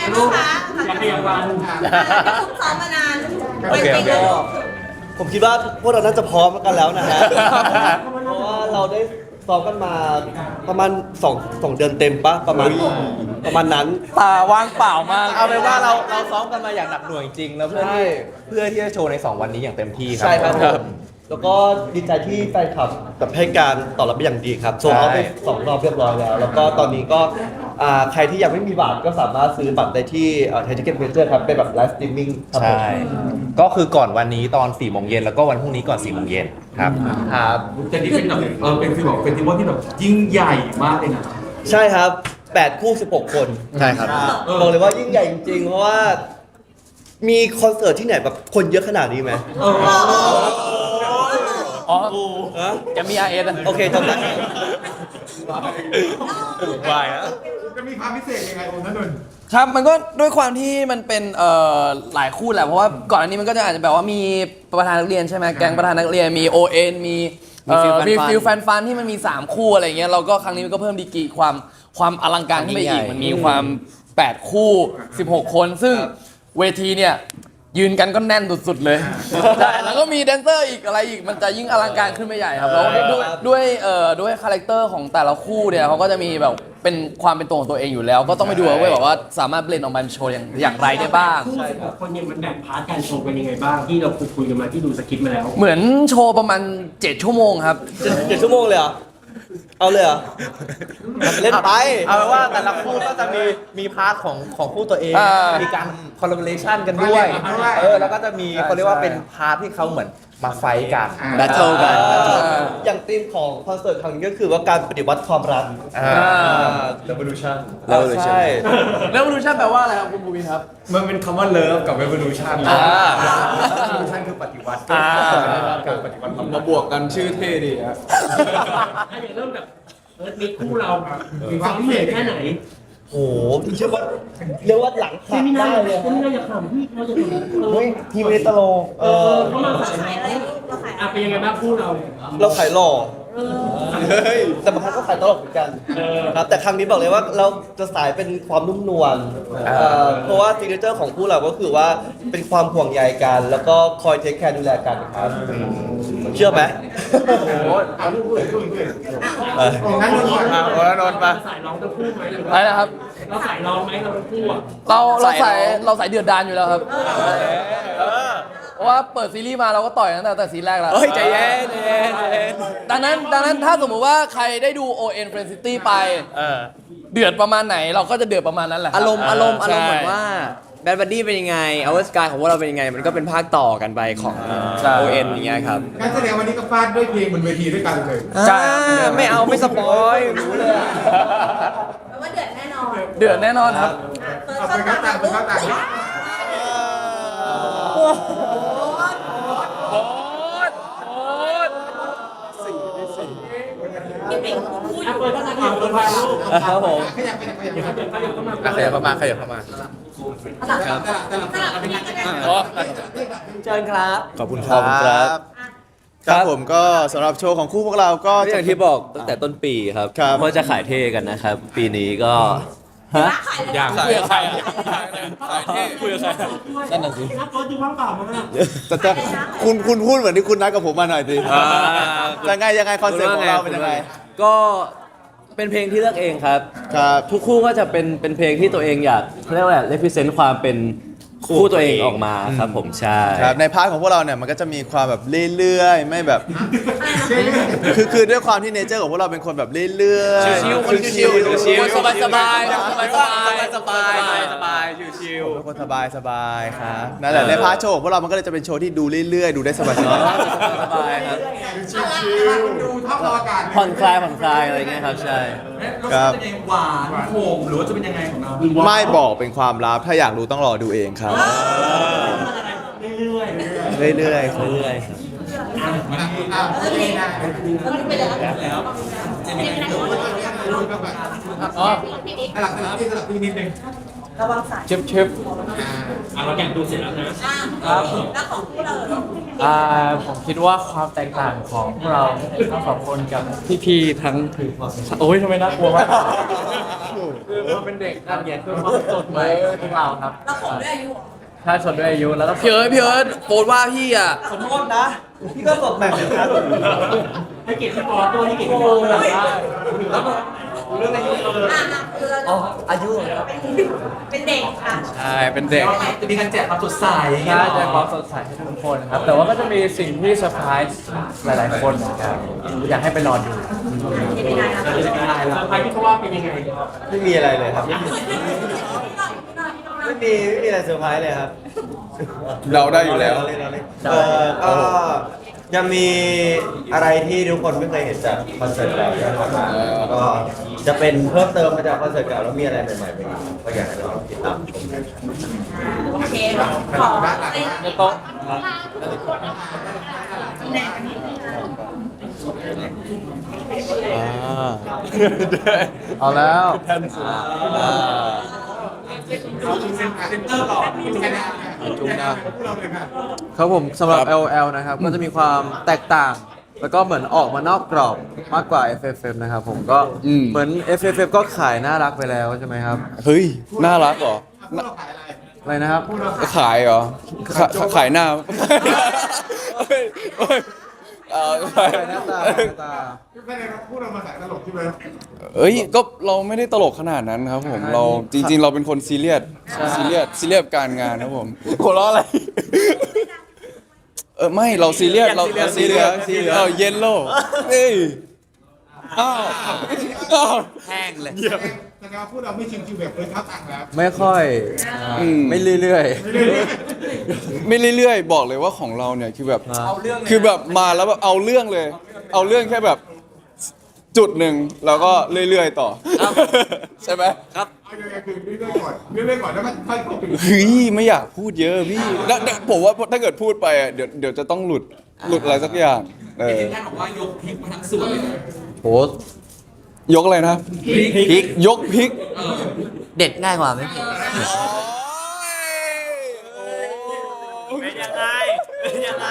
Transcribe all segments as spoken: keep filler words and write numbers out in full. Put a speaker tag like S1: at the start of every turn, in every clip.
S1: ลูกคะ
S2: อยากขยับวัน
S1: ซุ่มซ้อมมานาน
S3: โอเคโอเค ผมคิดว่าพวกเราน่าจะพร้อมกันแล้วนะฮะ เพราะว่าเราได้ซ้อมกันมาประมาณสองสองเดือนเต็มปะประมาณประมาณนั้น
S4: ตาว่างเปล่ามาก
S5: เอาเป็นว่าเราเราซ้อมกันมาอย่างหนักหน่วงจริงๆแล้วเพื่อ
S3: ใช่
S5: ที่เพื่อที่จะโชว์ในสองวันนี้อย่างเต็มที่ครั
S3: ใช่ครับผมแล้วก็ดีใจที่แฟนคลับแบบให้การตอบรับเป็นอย่างดีครับโซลเอาท์ไปสองรอบเรียบร้อยแล้ว แล้วก็ตอนนี้ก็อ่าใครที่ยังไม่มีบัตรก็สามารถซื้อบัตรได้ที่ไทยทิเก็ตเมเจอร์ครับเป็นแบบไลฟ์สตรีมมิ่งครับผม
S5: ใช่ก็คือก่อนวันนี้ตอนสี่โมงเย็นแล้วก็วันพรุ่งนี้ก่อนสี่โมงเย็นครับ
S3: ครับ
S6: แต่นี่เป็นแบบเออเป็นฟีลแบบเฟสติวัลที่แบบยิ่งใหญ่มากเลยนะ
S3: ใช่ครับแปดคู่สิบหกคน
S5: ใช่ครับ
S3: บอกเลยว่ายิ่งใหญ่จริงๆ เพราะว่ามีคอนเสิร์ตที่ไหนแบบคนเยอะขนาดนี้ไหม
S6: เออ
S4: อ๋อ
S3: ฮะ
S4: แกมี อาร์ เอส อะ
S3: โอเคจำได้
S5: วายนะ
S6: จะมีความพิเศษยังไงองค์นั้นนนท์
S4: ครับมันก็ด้วยความที่มันเป็นเอ่อหลายคู่แหละเพราะว่าก่อนอันนี้มันก็จะอาจจะแบบว่ามีประธานนักเรียนใช่ไหมแก๊งประธานนักเรียนมี โอ เอ็น มีเอ่อมีฟิลแฟนฟันที่มันมีสามคู่อะไรเงี้ยเราก็ครั้งนี้มันก็เพิ่มดีกรีความความอลังการขึ้นไปอีกมันมีความแปดคู่สิบหกคนซึ่งเวทีเนี่ยยืนกันก็แน่นสุดๆเลยใช่แล้วก็มีแดนเซอร์อีกอะไรอีกมันจะยิ่งอลังการขึ้นไปใหญ่ครับแล้วด้วยด้วยเอ่อด้วยคาแรคเตอร์ของแต่ละคู่เนี่ยเขาก็จะมีแบบเป็นความเป็นตัวของตัวเองอยู่แล้ว ก็ต้องไปดูว่าแบบว่าสามารถเบลนด์ออกมาเป็นโชว์อย่างอย่างไรได้บ้าง
S2: คู่สิบหกคนเนี่ยมันแบ่งพาร์ทการโชว์กันยังไงบ้างที่เราคุยคุยกันมาที่ดูสคริปต์มาแล้ว
S4: เหมือนโชว์ประมาณเจ็ดชั่วโมงครับ
S3: เจ็ดเจ็ดชั่วโมงเลยเหรอ เอาเลยเหรอ เล่นไป
S5: เอาเป็นว่าแต่ละคู่ก็จะมีมีพาร์ทของของคู่ตัวเอง
S4: อ่ามี
S5: มีการคอลลาบอเรชันกันด้วยเออแล้วก็จะมีเขาเรียกว่าเป็นพาร์ทที่เขาเหมือนมาไฟท์กัน
S4: แบทเทิลกัน
S3: อย่างธีมของคอนเสิร์ตครั้งนี้ก็คือว่าการปฏิวัติความรัก
S5: อ่า
S3: revolution
S5: แล้วใช่
S4: แล้วรูชั่นแปลว่าอะไรครับคุณภูมินครับ
S6: มันเป็นคำว่าเลิฟกับ revolution
S4: อ่า
S6: revolution คือปฏิวัติ
S4: อ่า
S6: การปฏิวัติความรั
S7: มาก บวกกันชื่อเท่ดีฮะ
S2: ถ้าอย่างเริ่มแบบเออมีคู่เรามีความพิเศษแค่ไหน
S3: โหเชื่อว่าเรียกว่าหลัง
S2: เซ
S3: หัก
S2: มินา
S3: ได้
S2: ร์
S3: เลย
S2: เซมินาร์อย่าขำพี่เราจะขำ
S3: เฮ้ยทีมเอตโลเออ
S2: เขามาขาย
S1: ขายอะไรเราขาย
S2: อ่ะเป็นยังไงบ้างคู่เรา
S3: เราขายหล่อแต่บางครั้งก็ขายตลกเหมือนกันครับแต่ครั้งนี้บอกเลยว่าเราจะสายเป็นความนุ่มนวลเอ่อเพราะว่าซิกเนเจอร์ของคู่เราก็คือว่าเป็นความห่วงใยกัน แล้วก็คอยเทคแคร์ดูแลกันครับเชื่อไหม
S6: องค์นั้นนนท์ก่อน
S5: อ่าโอ้แล้วนนท์ปะ
S2: เราสายร้องทั้งคู่ไหมหรือ
S4: อะไร
S2: ว่า
S4: นะครับ
S2: เราสายร้องไหมเราทั้งคู่อ่ะ
S4: เราเราใส่เราใส่เดือดดานอยู่แล้วครับเพราะว่าเปิดซีรีส์มาเราก็ต่อยตั้งแต่แต่ซีนแรกแล้ว
S5: เฮ้ยใจเย็นใจเย็นใจเย็น
S4: ดังนั้นดังนั้นถ้าสมมุติว่าใครได้ดู โอ เอ็น Friend City ไป
S5: เออ
S4: เดือดประมาณไหนเราก็จะเดือดประมาณนั้นแหละคบ
S8: อารมณ์อารมณ์อารมณ์เหมือน
S4: ใช่
S8: ว่าแบดบัดดี้เป็นยังไงเอาสกายของพวกเราเป็นยังไง มันก็เป็นภาคต่อกันไปของ
S4: ใช่
S8: โอเอ็นอย่างเงี้ยครับ
S6: การแสดงวันนี้ก็ฟาดด้วยเพลงบนเวทีด้วยกันเลย
S4: ใช่
S8: อ่าไม่เอาไม่สปอยรู้เลยอะ
S1: แปลว่าเดือดแน่นอน
S4: เดือดแน่นอนครับ
S1: เปิด
S6: เอา
S1: เข้า
S6: ไป
S1: ตา
S6: เข้าต่างไปเข้าต่าง
S1: พี่ปิ๊กพูดอ
S2: อ่ะ
S1: ยู่
S2: เปิดภาษาอังกฤษเปิดภาษาลูก
S8: ครับผม
S6: ขยับไปขยับไป
S2: เดี๋ยวเขาเดี๋ยวเขาเดี๋ยวเขามา
S5: อ่ะขยับเข้ามาขยับเข้ามา
S1: สลับสลับสลับเป็นยังไง
S8: เชิญครับ
S7: ขอบคุณครับครับผมก็สำหรับโชว์ของคู่พวกเราก็
S8: ก็อย่างที่บอกตั้งแต่ต้นปีครับ
S7: ครับ
S8: ว่าจะขายเท่กันนะครับ ปีนี้ก็ฮะ
S1: ขายเลย
S4: อยากคุยกับใครอ่ะคุยกับใคร
S2: นั่นน่ะสินักโทษดูว่างเปล่ามั้งอ่ะ
S7: แต่แต่คุณคุณพูดเหมือนที่คุณนัดกับผมมาหน่อยสิ
S8: อ่า
S7: ยังไงยังไงคอนเซ็ปต์ของเราเป็นยังไง
S8: ก็เป็นเพลงที่เลือกเองครับ
S7: ครับ
S8: ทุกคู่ก็จะเป็นเป็นเพลงที่ตัวเองอยากเขาเรียกว่าอะไร represent ความเป็นคู่ตัวเองออกมาครับผมใช่
S7: ครับในพาร์ทของพวกเราเนี่ยมันก็จะมีความแบบเรื่อยๆ ไม่แบบ คือคือด้วยความที่เนเจอร์ของพวกเราเป็นคนแบบเรื่อยๆ
S4: ชิวๆคนชิวๆ
S7: ชิว
S4: สบายๆสบายๆ
S8: สบายสบายสบายชิว
S7: เป็นคนสบายสบายๆครับนั่นแหละในพาร์ทโชว์ของพวกเรามันก็เลยจะเป็นโชว์ที่ดูเรื่อยๆ ดูได้สบายๆ
S8: สบายครับ
S6: ดูท่าอากาศ
S8: ผ่อนคลายผ่อนคลายอะไรเงี้ยครับใช่
S7: ครับ
S6: จะเป็นหวานโหมหรือว่าจะเป็นยังไงของเรา
S7: ไม่บอกเป็นความลับถ้าอยากรู้ต้องรอดูเองครับ
S2: เรื่อยๆเรื่อย
S7: เรื่อยๆครับ
S8: เรื่อย
S6: อ่ะโอเคนะ
S1: ไปเลย
S6: แล้ว
S4: อ๋อ
S6: สลับสลับที่สลับที่นิดนึง
S1: ระวังสาย
S4: เชฟเชฟ
S2: อ่ะเราแข่งดูเสร็จแล้วนะ
S1: อ่าแล้วของพวกเรา
S9: อ่าผมคิดว่าความแตกต่างของพวกเราทั้งสองคนกับพี่ๆทั้งโอ้ยทำไมน่ากลัวมากคือเราเป็นเด็กครับเนี่ยคือความสดใหม่ของพวกเราครับ
S1: เราขอด้วยอายุเหรอ
S9: ถ้าชนด้วยอายุแล้วก็
S4: พี่เอิร์ธพี่เอิร์ธโฟนว่าพี่อ่ะ
S3: ขอโทษนะ พี่ก็สดแบบเหมือนกัน
S2: ให้เกียรติพี่ปอตัวให้เกียรติพี่ปอเลย
S3: แล้วก็
S2: เรื่องอายุเออ
S1: อ่ะนะคือเรา
S3: อ๋ออายุเหรอครับ
S1: เป็นเด็กค่ะ
S9: ใช่เป็นเด็ก
S6: จะมีการแจกความสดใส
S9: ใช่ใจความสดใสให้ทุกคนครับ แต่ว่าก็จะมีสิ่งที่เซอร์ไพรส์หลาย ๆ คนเหมือนกันอยากให้ไปรอดู
S1: เป็นยังไงนะ
S2: เซอร์ไพรส์ที่เขาว่าเป็นยังไง
S3: ไม่มีอะไรเลยครับ ไม่มีไม่มีอะไรเซอร์ไพรส์เลยครับ
S7: เราได้อยู่แล้ว
S3: เราเล่นเราเล่นเออก็ยังมีอะไรที่ทุกคนไม่เคยเห็นจากคอนเสิร์ตเก่าที่ผ่านมาแล้วก็จะเป็นเพิ่มเติมมาจากคอนเสิร์ตเก่าแล้วมีอะไรใหม่ๆไปอีกก็อยากให้เราติดตามชมกัน
S1: โอเคขอไอ้
S9: ในโต๊ะ เอาแล้ว
S6: เซ็นเตอร์ก่อนแค่นี้
S9: จุ๊บนะครับผมสำหรับ แอล แอล นะครับ ก็จะมีความแตกต่าง แล้วก็เหมือนออกมานอกกรอบมากกว่า เอฟ เอฟ เอ็ม นะครับผมก็
S7: อืม
S9: เหมือน เอฟ เอฟ เอ็ม ก็ขายน่ารักไปแล้วใช่ไหมครับ
S7: เฮ้ย น่ารักเหรอ
S9: อะไรนะครับ
S7: ขายเหรอขาขายหน้าเฮ้ยเฮ้ยเอาไป
S9: ขายหน้าตาหน้าตา
S6: ไม่ได้พูดเรามาสายตลกใช่ไหม
S7: เอ้ย ก็เราไม่ได้ตลกขนาดนั้นครับผม เราจริง ๆ เราเป็นคนซีเรียส ซีเรียส ซีเรียสกับการงานครับผมหัวเราะอะไร เออไม่ เราซีเรียส เราเราซีเรียสเราเยลโล่เฮ้ยอ้าวอ้าว
S8: แห้งเลย
S6: แต่การพูดเราไม่ชิวๆแบบเคยทับตังแล้ว
S9: ไม่ค่อย
S7: อืม
S9: ไม่เรื่อย
S7: ไม่เรื่อยๆ บอกเลยว่าของเราเนี่ยคือแบบ คือแบบมาแล้วแบบเอาเรื่องเลย เอาเรื่องแค่แบบจุดหนึ่งแล้วก็เรื่อยๆต่อ ใช่ไหม
S8: ครับ
S6: เอายังไงคือเรื่อยๆก่อนเรื่อยๆก่อนแล้วก็ค่อยๆไป
S7: เฮ้ยไม่อยากพูดเยอะพี่แล้วแล้วผมว่าถ้าเกิดพูดไปอ่ะเดี๋ยวเดี๋ยวจะต้องหลุดหลุดอะไรสักอย่างเออ
S6: ท่านบอกว่ายกพริกมาทั้งส่วนเลย
S9: ๆโห
S7: ยกอะไรนะพริกยกพริก
S8: เด็ดง่ายกว่าไหมพี่เป็นยังไงเป็นยังไง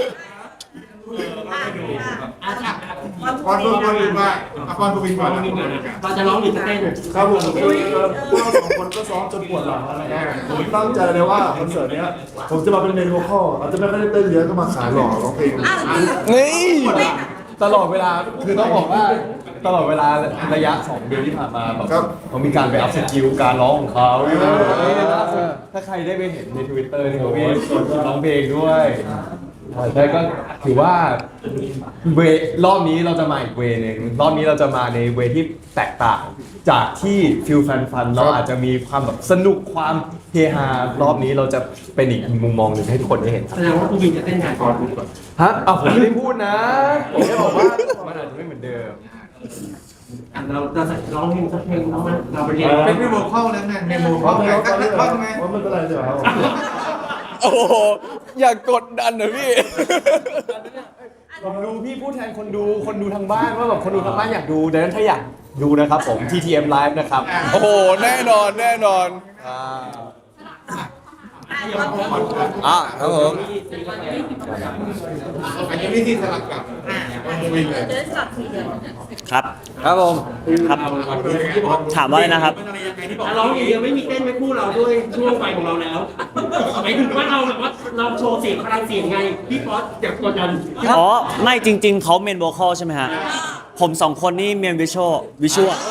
S6: ก่อนพูดก่อนอื่นว่าก่อนพูดก่อน
S2: เราจะร้องหรือจะเต้น
S10: ครับผมคือพวกเราสองคนก็ซ้อมจนปวดหลังแล้วนะครับผมตั้งใจเลยว่าคอนเสิร์ตเนี้ยผมจะมาเป็นเมนโวคอลอาจจะไม่ค่อยได้เต้นเยอะก็มาขายหล่อร้องเพลง
S7: นี่
S9: ตลอดเวลาคือต้องบอกว่าตลอดเวลาระยะสองเดือนที่ผ่านมาแบบเขามีการไปอัพสกิลการร้องของเขาถ้าใครได้ไปเห็นใน Twitter นี่เขามีร้องเพลงด้วยแต่ก็ถือว่าเวรอบนี้เราจะมาอีกเวนึงรอบนี้เราจะมาในเวที่แตกต่างจากที่ฟิลแฟนฟันเราอาจจะมีความแบบสนุกความเฮฮารอบนี้เราจะเป็นอีกมุมมองหนึ่งให้ทุกคนได้เห็น
S2: แสดงว่าผู้บินจะเต้นงานก่อนคุณก่อน
S9: ฮะอ้าวผมไม่ได้พูดนะ ผมแค่บอกว่ามันอาจจะไม่เหมือนเดิม
S2: เราเราใส่ร้องเพลงสักเพลงร้องไหมเราไปเรียน
S6: เป็นพี่โมเข้าแล้วไงเมนู
S10: เพราะ
S6: เข้า
S10: ไม่
S6: ไง
S10: เพราะ
S6: สัก
S10: ไม่
S6: นิด
S10: เพ
S6: เข้าไหม
S10: ราะไม่เป็นไรเดี๋ยวครับ
S7: โอ้โหอย่ากดดันนะพี่
S9: ผมดูพี่พูดแทนคนดูคนดูทางบ้านว่าแบบคนดูทางบ้านอยากดูดังนั้นถ้าอยากดูนะครับผม ที ที เอ็ม Live นะครับ
S7: โอ้โหแน่นอนแน่นอน
S8: อ่ะครับผม
S6: อันนี้วิธีสลับกับวิ่งเลย
S1: เดินสลับทีเดียว
S8: ครับ ครับผม ครับ ถามว่าอะไรนะครับ
S2: ร้องอย่างเดียวไม่มีเต้นไม่คู่เราด้วยช่วงไฟของเราแล้วหมายถึงว่าเราแบบว่าเราโชว์เสียงพลังเสียงไงพี่ป๊อตอยากกดดัน
S8: อ๋อ ไม่จริง ๆ เขาเมนโวคอลใช่ไหมฮะ ผมสองคนนี่เมนวิชวลวิชวล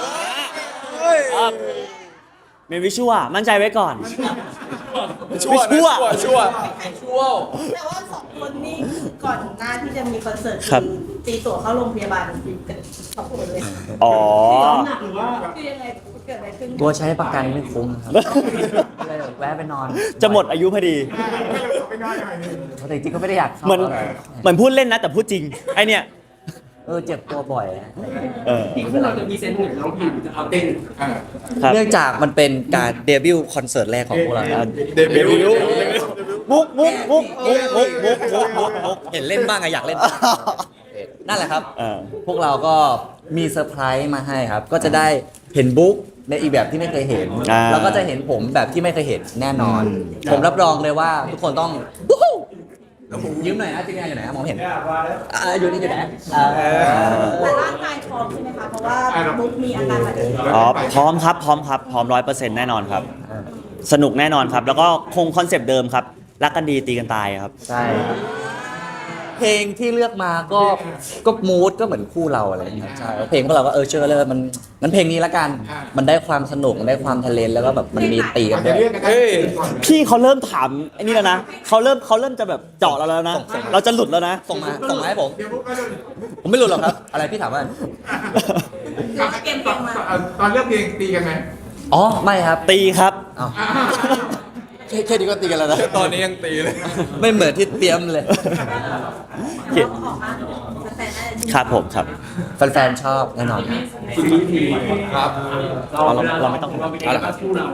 S8: เมนวิชวลมั่นใจไว้ก่อน
S7: ชั่วนะชั่วชั่ว
S1: แต่ว่าสองคนนี้ก่อนหน้าที่จะมีคอนเสิร์ต
S8: ครับ
S1: ตีตั๋วเข้าโรงพยาบาลกันสองคนเลย
S8: อ๋อ
S2: หนักหรือว่า
S1: คือยังไงเกิดอะไรขึ้น
S8: กลัวใช้ประกันไม่คุ้มครับเลยแวะไปนอน จะหมดอายุพอดี
S6: ไม่ง่ายหน่อยนึง
S8: แต่จริงๆก็ไม่ได้อยากเหมือนเหมือนพูดเล่นนะแต่พูดจริง ไอเนี่ย เออเจ็บตัวบ่อยอะเออ
S2: ที่คู่เราจะมีเซนต์หนึ่งร้องเพลงหรือจะเอาเต้น
S8: ครับ
S3: เนื่องจากมันเป็นการเดบิวต์คอนเสิร์ตแรกของพวกเราครับ
S7: เดบิวต์
S3: มุกมุกมุกมุกมุกมุกมุกมุกมุกเห็นเล่นบ้างอะอยากเล่นบ้างนั่นแหละครับ
S8: เออ
S3: พวกเราก็มีเซอร์ไพรส์มาให้ครับ ก็จะได้เห็นบุ๊กในอีกแบบที่ไม่เคยเห็น
S8: อ่า
S3: แล้วก็จะเห็นผมแบบที่ไม่เคยเห็นแน่นอน ผมรับรองเลยว่าทุกคนต้องวู้ฮู้
S5: ยืมหน่อยนะจริงๆอยู่ไหนมองเห็นอ่าอยู่นี่อยู่ไหนอ่า
S1: แต่ร่างกายพร้อมใช่ไหมคะ เพราะว่ามุกมีอาการบาดเจ็บ
S8: อ๋อพร้อมครับพร้อมครับพร้อมร้อยเปอร์เซ็นต์แน่นอนครับ สนุกแน่นอนครับ แล้วก็คงคอนเซปต์เดิมครับรักกันดีตีกันตายครับ
S5: ใช่เพลงที่เลือกมาก็ก็มูดก็เหมือนคู่เราอะไรอย่างเงี้ยใช่เพลงพวกเราก็เออเชื่อเลยมันมันเพลงนี้ละกัน มันได้ความสนุกมันได้ความทะเลนแล้วก็แบบมันมีตีกันด้วย
S8: เฮ้ยพี่เขาเริ่มถามไอ้นี่แล้วนะเขาเริ่มเขาเริ่มจะแบบเจาะเราแล้วนะ เราจะหลุดแล้วนะ
S5: ส่งมาส่งมาให้ผมผมไม่รู้หรอกครับ อะไรพี่ถามว่า
S1: เกมเกมมา
S6: ตอนเลือกเพลงตีกันไหม
S5: อ๋อไม่ครับ
S8: ตีครับ
S5: อ้าว
S4: แค่แค่นี้ก็ตีกันแล้วนะ
S9: ตอนนี้ยังตีเลย
S5: ไม่เหมือนที่เตรียมเลย
S1: แต่ว่าออกมาแต่น่าจะ
S8: ครับผมครับ
S5: แฟนๆชอบแน่นอน
S2: สิ่งนี้ที
S9: ครับ
S2: เรา
S8: เราเราไม่ต้อง
S2: เราเป็นเองกับคู่เรา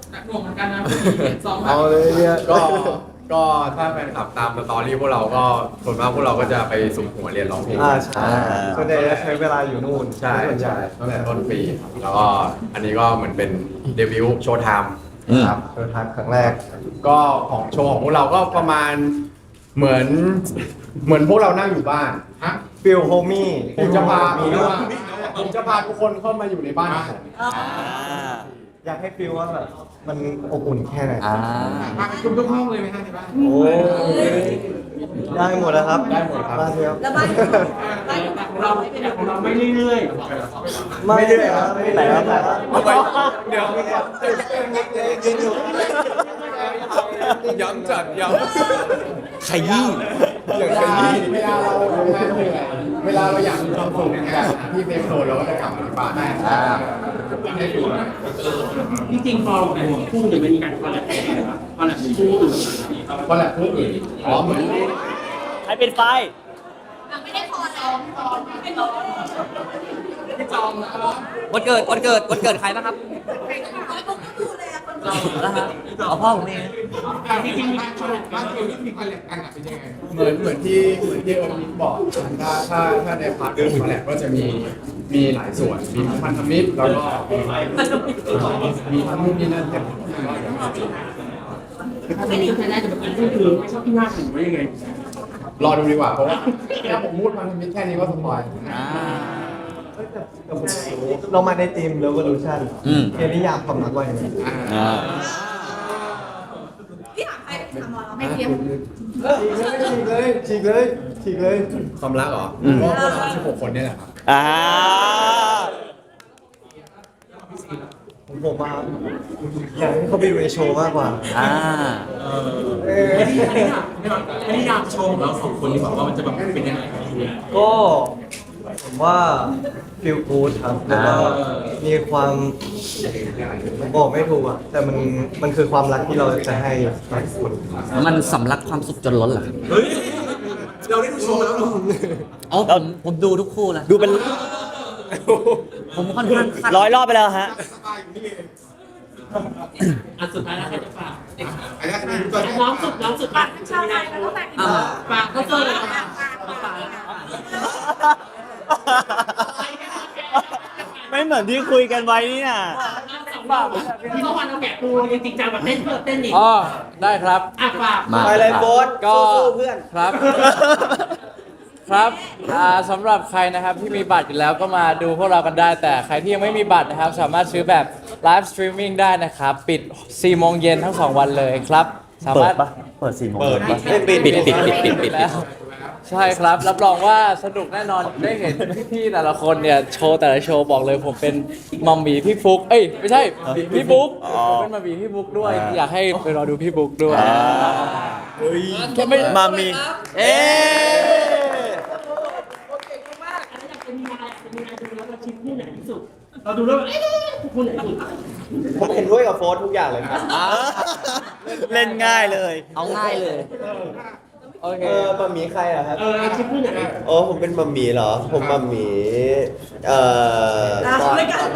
S10: เอาเลยเนี่ย
S9: ก็ก็ถ้าแฟนคลับตามสตอรี่พวกเราก็ส่วนมากพวกเราก็จะไปสุ่มหัวเรียนร้องเพลง
S10: อ่าใช่ส่วนใหญ่จะใช้เวลาอยู่นู่น
S9: ใช่ใช่ตั้งแต่ต้นปี แล้วก็อันนี้ก็เหมือนเป็นเดบิวต์โชว์ไทม์
S10: ครับเดินทางครั้งแรก
S9: ก็ของโชว์ของพวกเราก็ประมาณเหมือนเหมือนพวกเรานั่งอยู่บ้านฮะ
S10: ฟิลโฮมี่
S9: ผมจะพาผมจะพาผมจะพาทุกคนเข้ามาอยู่ในบ้านของผม
S10: อยากให้ฟิลว่าแบบมันอบอุ่นแค่ไหน
S5: อ่า
S6: มากันทุกห้องเลยไหมฮะในบ้าน
S10: โอ้ได้หมดแล้วครับ
S9: ได้หมดครับ
S10: มาเถอะ
S1: แล้วบ้านบ้าน
S2: แต่ของเราแต่ของเราไม่เรื่อย
S10: ไม่ได้ครับไม่ได้ครับ
S9: เดี๋ยวย้ำจัดย้ำ
S8: ขยี้
S9: เวลาเวลาเราทำงานเหนื่อยเวลาเราอยากมีความสุขเนี่ยที่เซฟโซนเราก็จะกลับมาที่บ้านได้ให้ดูนะ
S2: ๆที่จริงพอเป็นคู่จะไม่มีการคอลแลบกันนะครับคอลแลบคู่อื่น
S9: ก็แหละผู้อื่นอ๋อเหมือน
S8: ใครเป็นไฟ
S1: ไม่ได้พอแล้ว
S5: วันเกิดวันเกิดวันเกิดใครบ้างครับ
S1: ดูเลยอะคน
S5: นะฮะเอาพ่อผมเอง
S2: ที่จริงมีคอลแลบกั
S6: บ้าน นเดียวที่มีคอนแลบกันอะเป็นยังไง
S9: เหมือนเหมือนที่เหมือนที่เอิร์ธบอกถ้าถ้าถ้าในพาร์ทเรื่องคอลแลบก็จะมีมีหลายส่วนมีทั้งพันธมิตรแล้วก็มีทั้งนู่นนี่นั่นเต็มไปหมด
S2: ถ้าไม่มีใครได้จะเป็นคู่คือไม่ชอบที่หน้าถึงว่ายังไง
S9: รอดูดีกว่าเพราะว่าถ้าผมพูดพันธมิตรแค่นี้ก็สปอย
S10: เรามาในทีม Revolution
S5: อืม
S10: เอนิยามความรักว่าอย่างไร
S1: พี่ถามใครถามหมอเราไม่เทียม
S10: ฉีกเลยฉีกเลยฉีกเลย
S9: ความรักเหรอก็พวกเราสิบหกคนเนี่ยแหละครับ
S8: อ่า
S10: ผมผมมาอยากให้เขาไปดูในโชว์มากกว่า
S5: อ่า
S6: อันนี้อันนี้อันนี้นามโชว์ของเราสองคนดีกว่าว่ามันจะแบบเป็นยังไง
S10: ก็ผมว่าฟิลกูดครับแล้วก็มีความผมบอกไม่ถูกอ่ะ แต่มันมันคือความรักที่เราจะให้กับคน
S5: มันสำลักความสุขจนล้นเหรอ
S6: เฮ้ย เราได้ดูโชว์แล้วเหรอ
S5: อ๋อผมผมดูทุกคู่นะ
S8: ดูเป็น
S5: ผมค่อนข้างคาด
S8: ร้อยรอบไปแล้วฮะ
S2: อันสุดท้ายแล้วใครจะฝาก
S6: อันนี้คือตัว
S2: น้องสุดน้องสุดฝาก
S1: ชาวไทยแล้วก็แต่ง
S5: อ่า
S2: ฝากเขาเจอเลย
S8: ไม่เหมือนที่คุยกันไว้นี่น่ะ
S2: ที่เมื่อวานเราแกะปูจริงๆจังแบบเต้นเพื่อเต้นอีก
S4: อ๋อ ได้ครับ
S2: อ่ะฝาก
S5: มา
S10: ไปเลยโบ๊ท
S4: ก็
S10: สู้ๆเพื่อน
S4: ครับ ครับอ่าสำหรับใครนะครับที่มีบัตรอยู่แล้วก็มาดูพวกเรากันได้ แต่ใครที่ยังไม่มีบัตรนะครับ สามารถซื้อแบบไลฟ์สตรีมมิ่งได้นะครับ ปิดสี่โมงเย็นทั้งสองวันเลยครับ สา
S8: เปิ
S4: มา
S8: ด
S4: รถ
S8: ปะเปิดสี่โมง
S10: เปิดปะ
S8: ปิดปิดปิดปิดปิดปิดปิด
S4: แล้วใช่ครับ รับรองว่าสนุกแน่นอนได้เห็นพี่ๆแต่ละคนเนี่ยโชว์แต่ละโชว์บอกเลยผมเป็นมัมมี่พี่ฟุกเอ้ยไม่ใช่พี่บุ๊กผมเป็นมัมมี่พี่บุ๊กด้วย อยากให้ไปรอดูพี่บุ๊กด้วย แค่ไม่
S8: มามี เอ๊ะ
S2: เราดูแล้วเอ๊ะคู่ไหนสุด
S10: ผมเห็นด้วยกับโฟร์ทุกอย่างเลยครับ
S8: เล่นง่ายเลย
S5: เอาง่ายเลย
S4: โอเค
S10: เออมัมหมีใครอะครับ
S2: เออชิปคู่ไหน
S10: อ๋อผมเป็นมัมหมีเหรอ ผมมัมหมีเอ่อ
S1: เราไม่กัน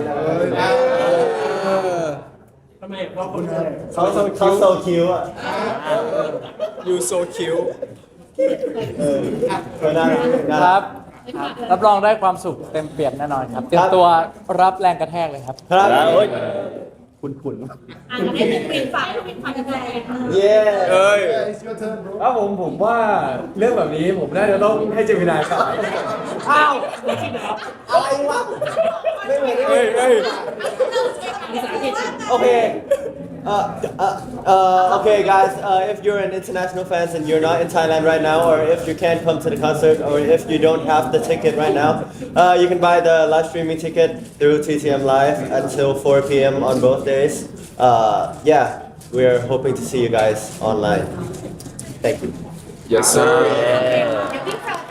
S2: ทำไมเพราะคน
S10: เขาโซเขาโซคิวอ่ะ
S9: you so cute
S10: เออเออน่ารักน่า
S4: ค
S10: รั
S4: รั
S10: ก
S4: บ รับรองได้ความสุขเต็มเปี่ยมแน่นอนครับ เตรียมตัวรับแรงกระแทกเลยครับ
S10: ครับ
S8: โอ้ย
S3: คุ้น
S1: อ่ะงั้นให้พี่ปินฝากให้พี่ปินฝากกันเลย
S3: ๆเย้
S7: เอ้ย
S9: ถ้าผมผมว่าเรื่องแบบนี้ผมน่าจะต้องให้เจมินายก่อน
S3: อ้าวอะไรวะไม่เหมือน
S7: เฮ้ยเฮ้ย
S3: Okay. Uh, uh, uh, okay, guys. Uh, if you're an international fans and you're not in Thailand right now, or if you can't come to the concert, or if you don't have the ticket right now, uh, you can buy the live streaming ticket through T T M Live until four p.m. on both days. Uh, yeah, we're hoping to see you guys online. Thank you.
S7: yes sir
S1: เดี๋ยวพี่ฝาก